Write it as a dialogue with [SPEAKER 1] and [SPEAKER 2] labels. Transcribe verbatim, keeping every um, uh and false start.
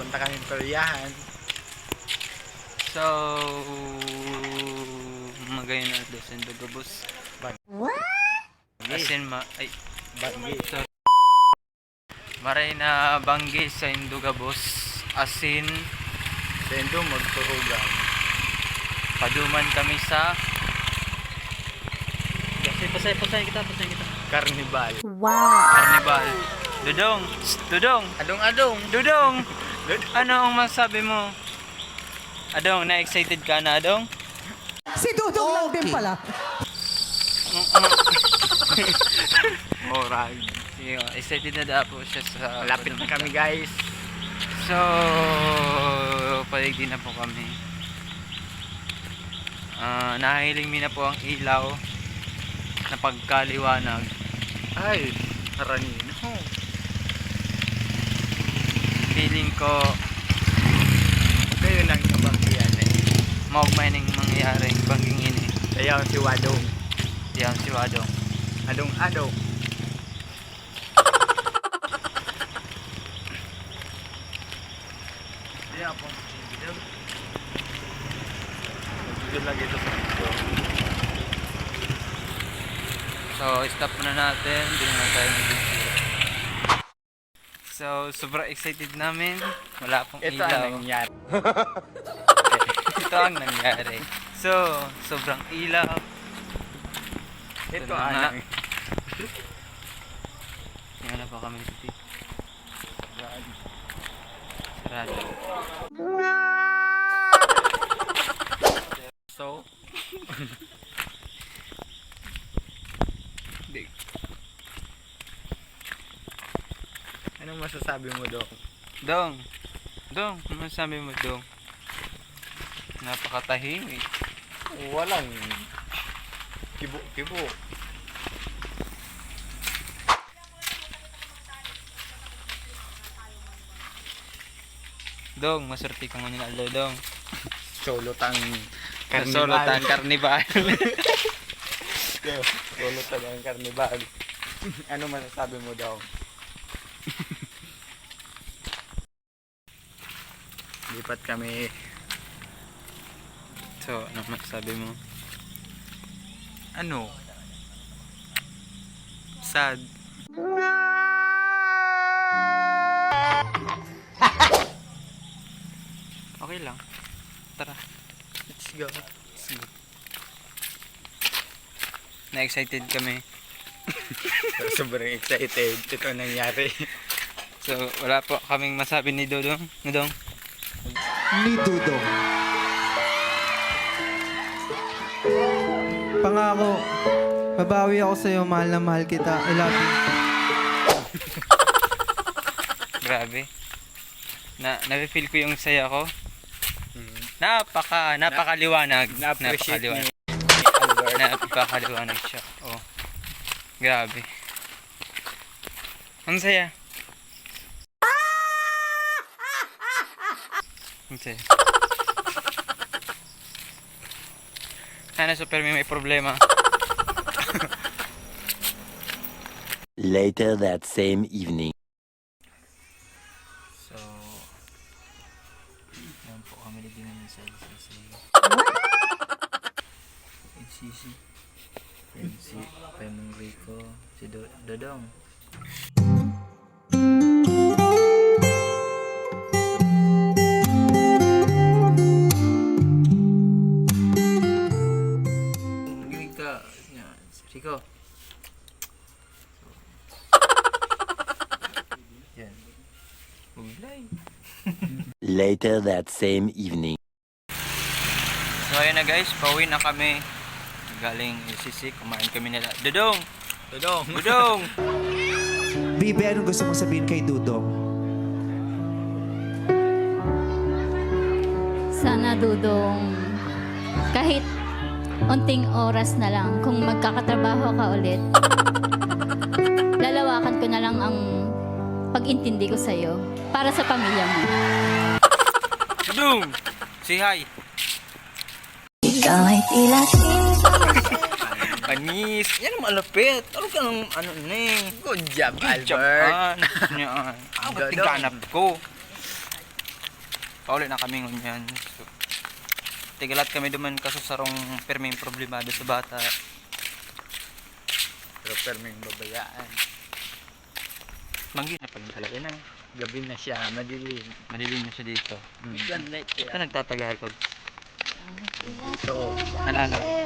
[SPEAKER 1] Punta kami peryahan.
[SPEAKER 2] So, magayon na dos and dugabos. Asin ma ay
[SPEAKER 1] Banggi.
[SPEAKER 2] so, maray na banggi sa Indugabos. Asin
[SPEAKER 1] Sendo magturugan.
[SPEAKER 2] paduman kami sa Pasay, pasay, pasay kita, pasay kita.
[SPEAKER 1] Karnibal.
[SPEAKER 2] Carnival. Dudong, Shh, Dudong,
[SPEAKER 1] Adong-adong.
[SPEAKER 2] Dudong. Ano ang masabi mo? Adong, na-excited ka na, Adong?
[SPEAKER 3] Si Dudong lang din pala.
[SPEAKER 1] Morag.
[SPEAKER 2] Sige, excited na daw po siya sa
[SPEAKER 1] Malapit na kami guys.
[SPEAKER 2] So, paligid na po kami. Ah, nahiling mi na po ang ilaw na pagkaliwanag.
[SPEAKER 1] Ay, haranino.
[SPEAKER 2] Feeling ko
[SPEAKER 1] Kayo lang yung banggihan eh.
[SPEAKER 2] maugmay ning mangyaring bangging ini.
[SPEAKER 1] Kaya si Wadong.
[SPEAKER 2] Diyan si Wadong.
[SPEAKER 1] Adong-adong. Hindi ako. Magigil lagi ito sa video.
[SPEAKER 2] So, stop muna natin. Hindi na tayo mag-video. So, sobrang excited namin. Wala pong
[SPEAKER 1] Ito
[SPEAKER 2] ilaw.
[SPEAKER 1] ang nangyari.
[SPEAKER 2] Ito ang nangyari. So, sobrang ilaw.
[SPEAKER 1] Ito
[SPEAKER 2] Ito
[SPEAKER 1] ang
[SPEAKER 2] na.
[SPEAKER 1] nangyari.
[SPEAKER 2] Tingnan na pa kami dito. Sarado.
[SPEAKER 1] So,
[SPEAKER 2] Di.
[SPEAKER 1] anong masasabi mo, Dok?
[SPEAKER 2] Dong. Dong, ano sabi mo, Dong? Napakatahimik.
[SPEAKER 1] Walang kibo-kibo.
[SPEAKER 2] Dong, maswerte kang mananalo, Dong.
[SPEAKER 1] Solotang
[SPEAKER 2] Kasolotan Carnival.
[SPEAKER 1] Solotang ang karnibal. Ano masasabi mo daw? Lipat kami.
[SPEAKER 2] So, ano masasabi mo?
[SPEAKER 1] Ano?
[SPEAKER 2] Sad. Okay lang. Tara.
[SPEAKER 1] Let's go.
[SPEAKER 2] Let's go. Na-excited kami.
[SPEAKER 1] Sobrang excited. Ito ang nangyari.
[SPEAKER 2] So, wala po kaming masabi ni Dodong. Dodong.
[SPEAKER 3] Ni Dudong. Pangako, babawi ako sa'yo, mahal na mahal kita. I love you.
[SPEAKER 2] Grabe. Na, na-feel ko yung saya ko. Napaka, napakaliwanag.
[SPEAKER 1] Na-appreciate ni
[SPEAKER 2] Napakaliwanag.
[SPEAKER 1] Albert.
[SPEAKER 2] Napakaliwanag siya. Oh. Grabe. Ang saya. Ang saya. Sana super may may problema.
[SPEAKER 4] Later that same evening.
[SPEAKER 2] So, yan po kami naging sa L C C. L C C. Yan si Pemong Rico, si Do Dodong. Gimik ka. Yan, si Rico. Yan. Uglay.
[SPEAKER 4] Later that same evening.
[SPEAKER 2] So ayun na guys, pauwi na kami. Galing L C C, kumain kami nila. Dodong!
[SPEAKER 1] Dodong.
[SPEAKER 2] Dodong!
[SPEAKER 3] Bibi, anong gusto mong sabihin kay Dudong?
[SPEAKER 5] Sana Dudong, kahit unting oras na lang, kung magkakatrabaho ka ulit, lalawakan ko na lang ang pag-intindi ko sa'yo para sa pamilya mo.
[SPEAKER 2] Dodong! Say hi!
[SPEAKER 5] Ikaw ay tila
[SPEAKER 2] Panis! Yan ang malapit! Ano ka nang ano na eh?
[SPEAKER 1] Good job,
[SPEAKER 2] Good job,
[SPEAKER 1] Albert.
[SPEAKER 2] An. Yan. Ang
[SPEAKER 1] Dodong.
[SPEAKER 2] tiganap ko. Pauli na kami ngunyan. So, tigalat kami duman kaso sarong perming problemado sa bata.
[SPEAKER 1] Pero perming babayaan.
[SPEAKER 2] Manggi na pala talaga na.
[SPEAKER 1] Gabi na siya, madilim.
[SPEAKER 2] Madilim na siya dito.
[SPEAKER 1] Sunlight
[SPEAKER 2] Ito
[SPEAKER 1] kaya.
[SPEAKER 2] nagtatagal ko.
[SPEAKER 1] So,
[SPEAKER 2] Ano ano?